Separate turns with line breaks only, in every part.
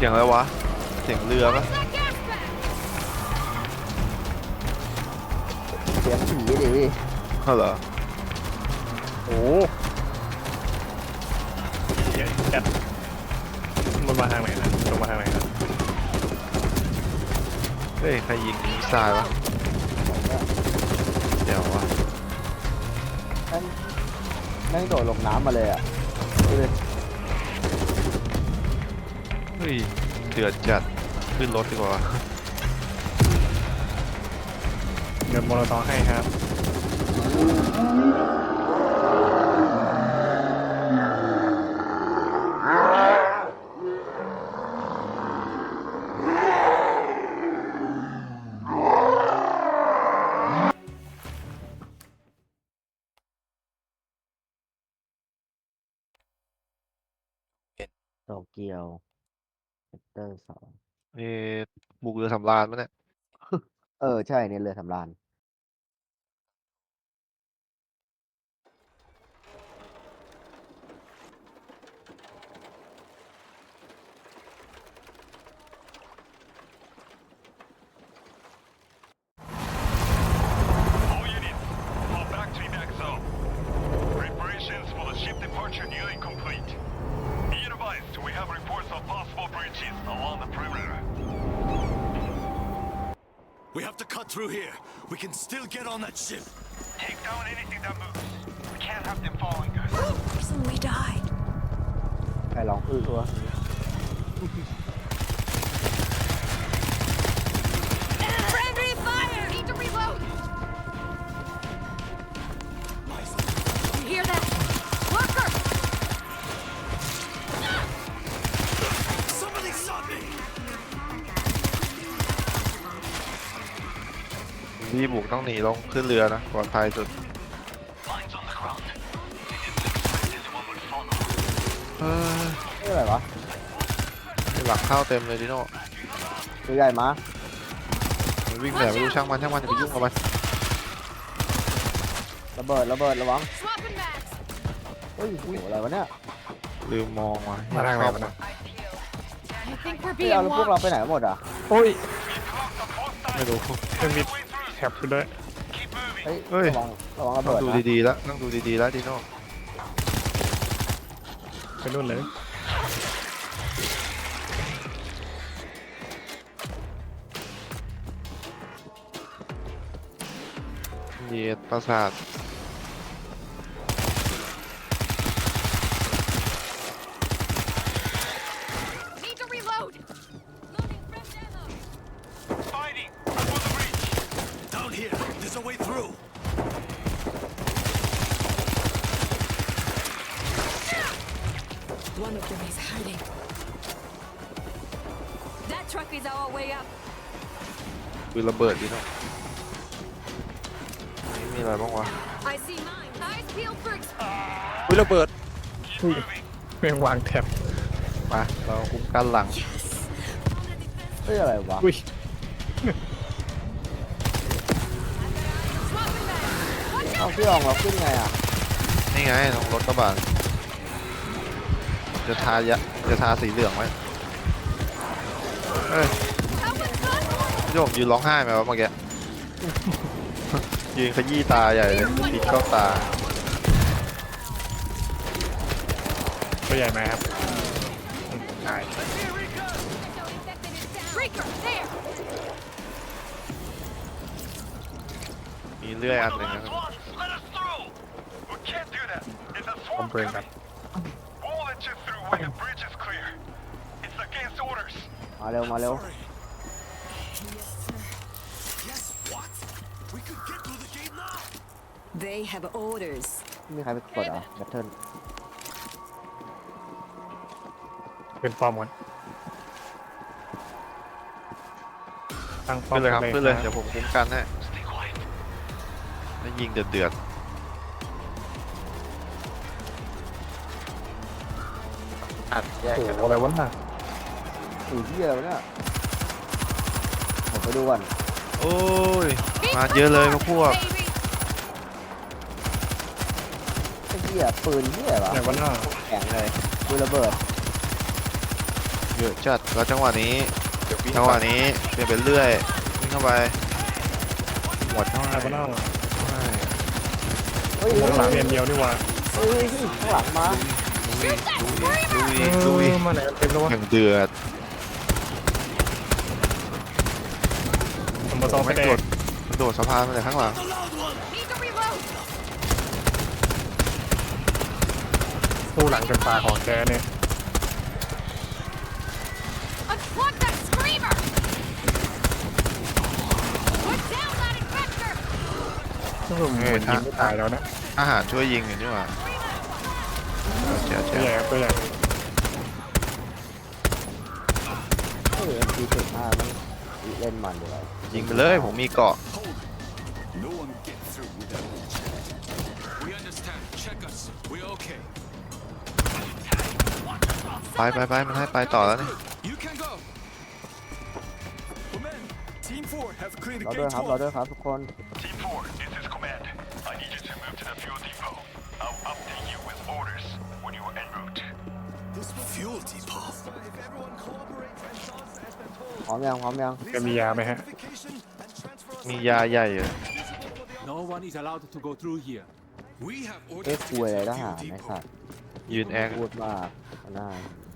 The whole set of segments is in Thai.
สียงอะไรวะเสียงเรือปะ
เสียงผีดิ
เหรอ
โอ้เดี๋ยวแอดมันมาทางไหนนะลงมาทางไหนนะ
เฮ้ยใครยิงมิสไซล์วะเดี๋ยววะ
แม่งโดดลงน้ำมาเลยอ่ะดูดิ
เฮ้ยเดือดจัดขึ้นรถดีกว่า
เดี๋ยวโมโนตอให้ครับ
โตเกียวเซกเตอร์2
นี่บุกเรือสำราญมั้ยเนี่ย
ใช่เนี่ยเรือสำราญ
All units, fall back to evac zone. Preparations for the ship departure nearly complete. Be advised, we have reports of possible breaches along the perimeter.
We have to cut through here. We can still get on that ship.
Take down anything that moves. We can't have them following us.
We died.
ใครร้องตัว
Friendly fire! Need to reload! You hear that? Worker!
Somebody shot me!
ที่บุกต้องหนีลงขึ้นเรือนะปลอดภัยสุด
Lines on the ground. This one will follow.
นี่อะไรวะ
หลังเข้าเต็มเลยดิโน่
ตัวใหญ่มา
มันวิ่งแบบไม่รู้ช่างมันอย่าไปยุ่งกับมัน
ระเบิดระวัง
Swapping mags!
เฮ้ยโหอะไรวะเนี่ย
ลืมมองว่ะ
มาทางไหนมันนะ
I think we're
พี่
being
เอาแล้วพวกเรา
watched.
ไปไหนหมดอ่ะ
โอ้ย
ไม่รู้
มันมีแท็บอยู่ด้วย
Keep moving.
เฮ้ย
เฮ้ย
ระวังระ
ต้อ
เบิ
ง
ด
ดู
นะ
ดีๆแล้วต้องดูดีๆแล้วดิโน่
ไปนู่นเลย
เหยียดประสาท
Need to reload! Loading fresh ammo!
Fighting before the breach.
Down here. There's a way through.
One of them is hiding. That truck is our way up.
คือระเบิดดิโน่นี่มีอะไรบ้างวะ
I see mine. Eyes peeled for
อุ้ยระเบิด
เฮ้ยแม่งวางแท็บ
มาเราคุ้มกันหลัง
เฮ้ยอะไรวะ
อุ้ย
swapping mags! Watch
เอา
out!
พี่อองเราขึ้นไงอ่ะ
นี่ไงตรงรถกระบะจะทาสีเหลืองไว้เอ้ย
Help us, son!
พี่โยมยืนร้องไห้ไหมวะเมื่อกี้ ยืนขยี้ตาใหญ่เลยปิดเข้าตา
ตัวใหญ่ไหมครับตาย
Breaker, there!
มีเลื่อยอันหนึ่งนะ
Swans, let us through. We can't do that. It's a
คอม
swamp
เพลนครับ
We'll let you through when the bridge is clear. It's against orders.
มาเร็วมาเร็ว
Sorry. Yes, what? We could get through the gate now.
They have orders.
มีใครไปกดอ่ะแบตเทิล
เป็นฟอร์มก่อนตั้งป้อ
ขึ้
ม
นเลยครับขึ้นเลยเดี๋ยวผมคุ้มกันให้
Stay quiet.
แล้วยิงเดือดอัดแยก
โอ้
กัน
โหอะไรวะน่ะ
อุ้ยเหี้ยอะไรวะเนี่ยผมไปดูก่อน
โอ้ย มาเยอะเลยพวก
Baby!
ไอ้เหี้ยปืนเหี้ยเหรอ
ไหนวะน่ะ
แข็งเลยปืนระเบิด
มีเยอะจัดแล้วจังหวะนี้เปลี่ยนไปเรื่อยวิ่งเข้าไปหมดเท่าไหร่
ไอ้บ้านนอก
เฮ้ย
ข้างหลังเรียนเดียวนี่หว่า
เฮ้ยข้างหลังมา
ลุย
มาไหนกันเต็มแล้ววะ
อย่างเดือด
ผมมาซ้อมไป
ไม่
แด
โด
ก
ดสะพานมาจากข้างหลัง
Need to reload.
สู้หลังจนตาของแกเนี่ย
Unplug that screamer. Put down that infector.
ซึ่งผมเหมือนยิงไม่ตายแล้วนะ
อาหารช่วยยิงอยู่นี่หว่าเจ๋
ตัวใหญ่ครับตัวใหญ่
เฮ้ย MP75 มันเล่นมันอยู่แล้ว
ยิงไปเลยผมมีเกาะ
No one get through without a check. We understand. Check us. We're okay.
ไปมันให้ไปต่อแล้วนี่
You can go. Command. Team 4 have cleared
เรา
the
ด้วย
gate
ครับเรา
hall.
ด้วยครับทุกคน
Team 4, this is command. I need you to move to the fuel depot. I'll update you with orders when you are en route.
This fuel depot.
พร้อมยัง
แกมียาไหมฮะ
มียาใหญ่อยู่
No one is allowed to go through here.
We have
เอ๊ะ
orders
คุยอะไร
to
ท
the
หาร
fuel
ไอ้
depot.
สัตว์
ยืนแอค
พูดมากน่า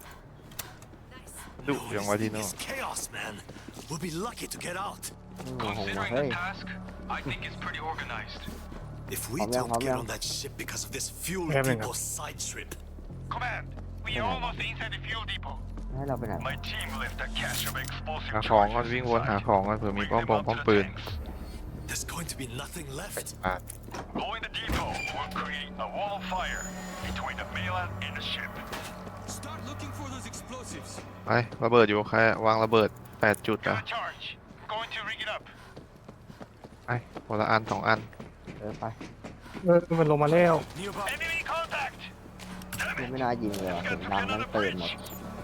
ดุอย่างวาทีโน่
It's chaos, man. We'll be lucky to get out.
โอ้โห
Considering
เฮ้ย
the task, I think it's pretty organized.
If we
Hop down,
don't
hop
get
down.
on that ship because of this fuel
Yeah, man.
depot side trip,
Command, we are almost inside the fuel depot.
ให้เราไปไหน
My team left a cache of explosive
หาของก่อน
charges
วิ่งวนหา
inside.
ของก่อนเผื่อมี
Bring
ป้อม
them
ปง
up
ป้อม
to the
ปืน
tanks.
there's going to be nothing left.
Blowing the depot will create a wall of fire between the mainland and the ship.
Start looking for those explosives.
ไประเบิดอยู่ใครวางระเบิด8 จุด
Got
อ่ะ
a charge. I'm going to rig it up.
ไปคนละอัน2 อัน
ไป
มันลงมาแล้ว
Nearby.
Enemy contact. Damn
ยัง
it.
ไม่น่ายิงเลยว่ะเห็นนำทั้งปืนหมด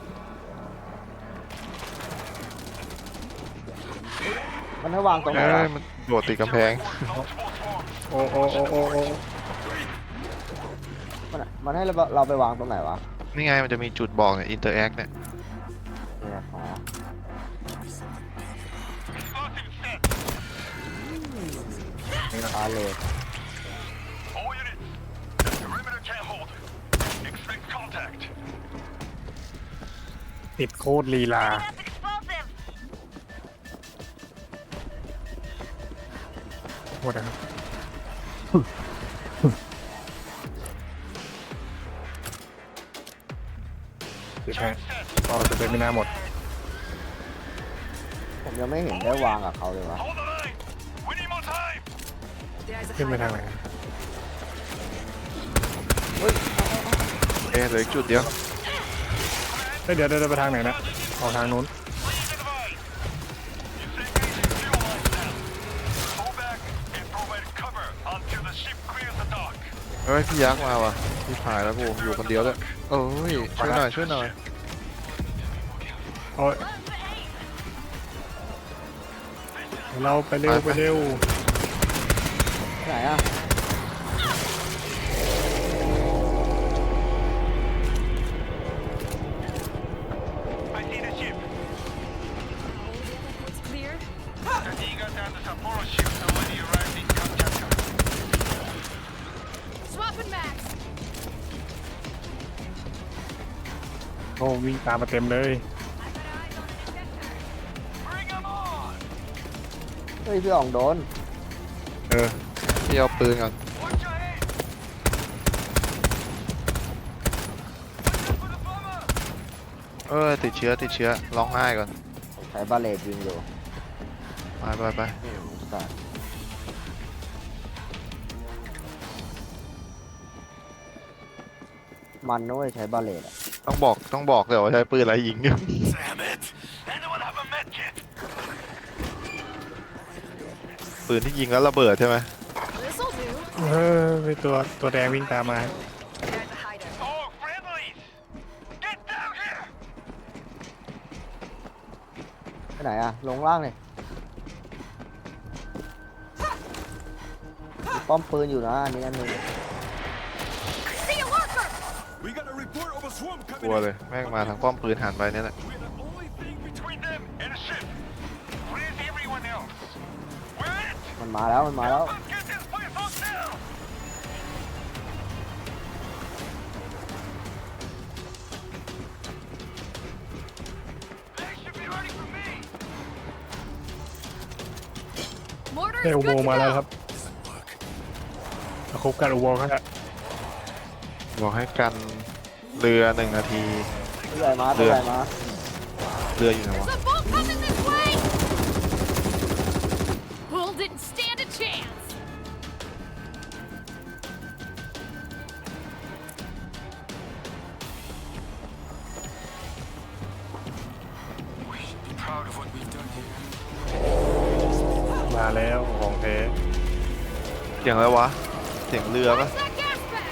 มันให้วางตรงไหน
เอ้
วะ
ยมันโดดติดกำแพง
Multiple swarms.
โอ้
มันให้เราไปวางตรงไหนวะ
นี่ไงมันจะมีจุดบอกเนี่ยอินเตอร์แอคเนี่ย
เนี่ยอ๋อ
Explosive set.
พาเลท
All units. Perimeter can't hold. Expect contact.
ติดโคตรลีลา
That's explosive.
หมดนะครับเดี๋ยวแพ้ต่อจะเป็นไม่น่าหมด
ผมยังไม่เห็นได้วางกับเขาเลยวะ
Hold the line. We need more time.
ขึ้นไปทางไหน
เหลืออีกจุดเดียว
เฮ้ยเดี๋ยวไปทางไหนนะออกทางนู้น
เฮ้ยพี่ยักษ์มาว่ะพี่ผายแล้วกูอยู่คนเดียวเลยโอ้ยช่วยหน่อย
โอ้ยเราไปเร็ว
ไป
ไหนอ่ะ
It's clear. Swapping mags.
โอ้วิ่งตามมาเต็มเลย
เฮ้ยพี่อ่องโดน
พี่เอาปืนก่อนติดเชื้อร้องไห้ก่อน
ใช้บาเลตยิงอยู่
ไป
สัตว์มันนะเว้ยใช้บาเลตอะ
ต้องบอกเลยว่าใช้ปืนอะไรยิงอยู่
Damn it!
Anyone have a med kit?
ปืนที่ยิงแล้วระเบิดใช่ไหม
This'll do.
มีตัวแดงวิ่งตามมา
There's a hider.
Oh, friendlies! Get down here!
ไปไหนอ่ะ ลงล่างเลยมีป้อมปืนอยู่นะอันนี้อันหนึง
See a lurker.
We got a report of a swarm
ก
coming
ลัว
in.
เลยแม่งมาทางป้อมปืนหันไปเนี่ยแหละ
We're not
and ship. Where's everyone else? We're it.
มันมาแล้วมันมาแล้ว
Let's get this place on down. They should be ready for me.
Mortar
ได้
is
อุโม
good
ง
to
ค์มาแล้วค
go.
รับครบกันอุโมงค์ครับ
บอกให้กันเรือ1 นาที
ตัวใหญ่มาตัวใหญ่มา
เรืออยู่ไหน
There's
วะ
a boat coming this way. Bull didn't stand a chance.
We should be proud of what we've done here.
มาแล้วของแท้
เสียงอะไรวะ เสียงเรือปะ
Where's that gas bag?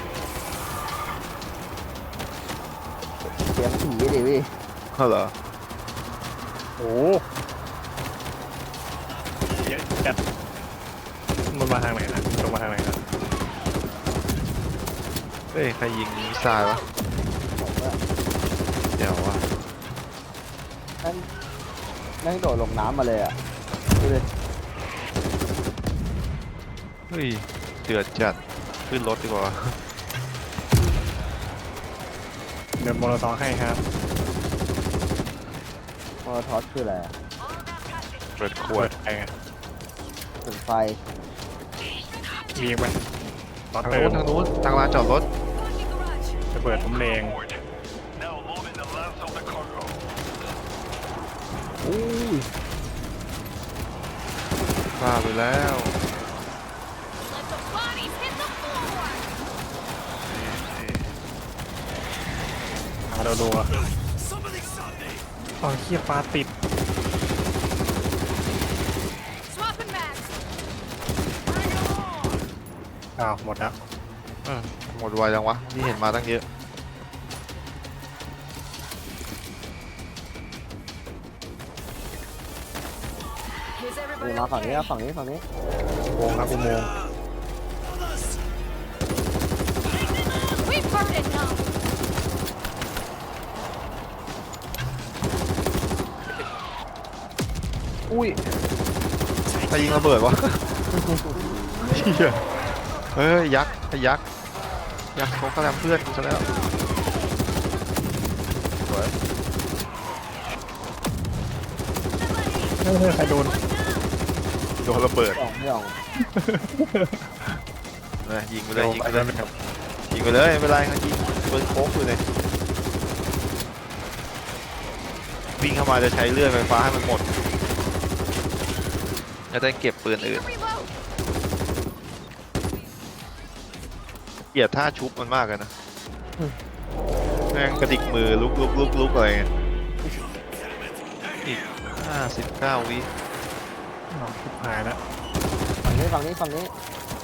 เสียงผีดิพี่
เหรอ
โอ้เยอะจัดมันมาทางไหนนะตรงมาทางไหนนะ
เฮ้ย ใครยิงมิสไซล์วะ เดี๋ยววะ
นั่งโดดลงน้ำมาเลยอ่ะดูดิ
เฮ้ย เดือดจัด ขึ้นรถดีกว่า
เดินโมโลซอให้ครับ
มอทอสคืออะไรอะ
เปิดข
ข
ว
ว
ด
ดไปไง
ถึงไฟ
มีอีกไหมตอน
ทาง
เติ
นู้
ม
นทางนู้นทางลานจอดรถ
จะเปิดผมเลง
Forward. Now loading the last of the cargo.
อุ้ย
พลาดไปแล้ว
Let the bodies hit the floor.
มาเราดูอ่ะอ๋อเขี้ยปลาติด
Swapping mags.
อ้าวหมดแล้ว
เออหมดไวจังวะ นี่เห็นมาตั้งเยอะ
Is
นี่
everybody
มาฝั่งนี้
okay?
นะฝั่งนี้ฝั่งนี้
อุโมงค์ครับอุโมงค์
We've heard enough.
อุ้ย
ใครยิงระเบิดวะ เหี้ยเฮ้ย ยักษ์ไอ้ยักษ์ ยักษ์เขากำลังเพื่อนกูซะแล้วสวย
เฮ้ยใครโดน
โดนระเบิด
ไม่ออก
เลยยิงไปเลยยิงไปเลยยิงไปเลยไม่เป็นไรเขายิงปืนโค้กอยู่เลยวิ่งเข้ามาจะใช้เลื่อยไฟฟ้าให้มันหมดจะได้เก็บปืน
Need
อื่น
to reload.
เกลียดท่าชุบมันมากเลยนะแม่งกระดิกมือลุกอะไรเงี้ยอีก59 วิ
อ๋อชิบหายแล้ว
ฝั่งนี้ฝั่งนี้ฝั่งนี้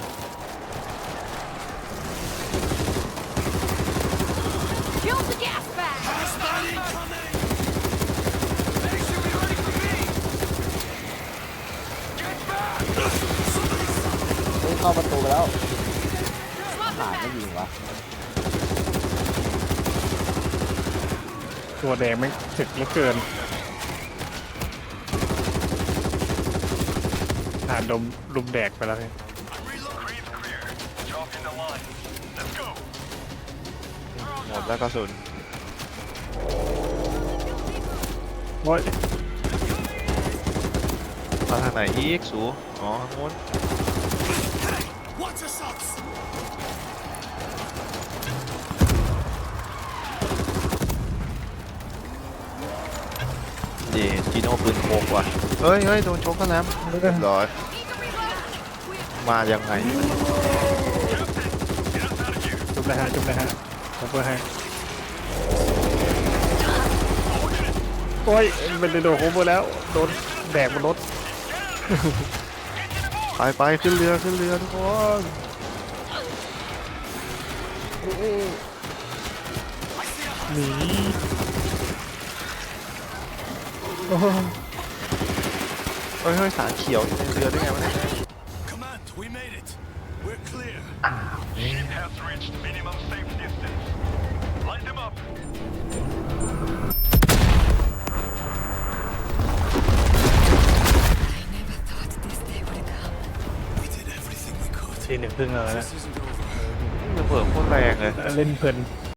Kill the gas bag.
เฮ้ยเข้าประตูไปแล้ว
Swapping
หายไม่
mags.
ยิงวะ
ตัวแดงไม่ถึกเหลือเกินหาดมลุมแดกไปแล้วเนี่ย
Creed's clear. Drop in the line. Let's go.
หมดแล้วกระสุน
โอ้ย
มาทางไหนอีกสูอ๋อทางนู้น
Watch yourselves!
เย่จีโน่ปืนโคกว่ะเฮ้ยโดนชกกันแล้วเรียบร้อย
Need to reload.
มายังไง
จุบเลยฮะจุบเลยฮะผมเพื่อให้โอ้ยเป็นโดนโคเวอร์แล้วโดนแดกบนรถ
ไปขึ้นเรือทุกคน
เอ้ยเอ้ย
หนีโอ้โห
เฮ้ยสารเขียวอยู่ในเรือได้ไงวะเนี่ย
Command, we made it. We're clear.
Ship has reached minimum safe distance. Line them up.
1 ครึ่งแล้วนะ
This isn't overheard.
ระเบิดโคตรแรงเลย
เล่นเพลิน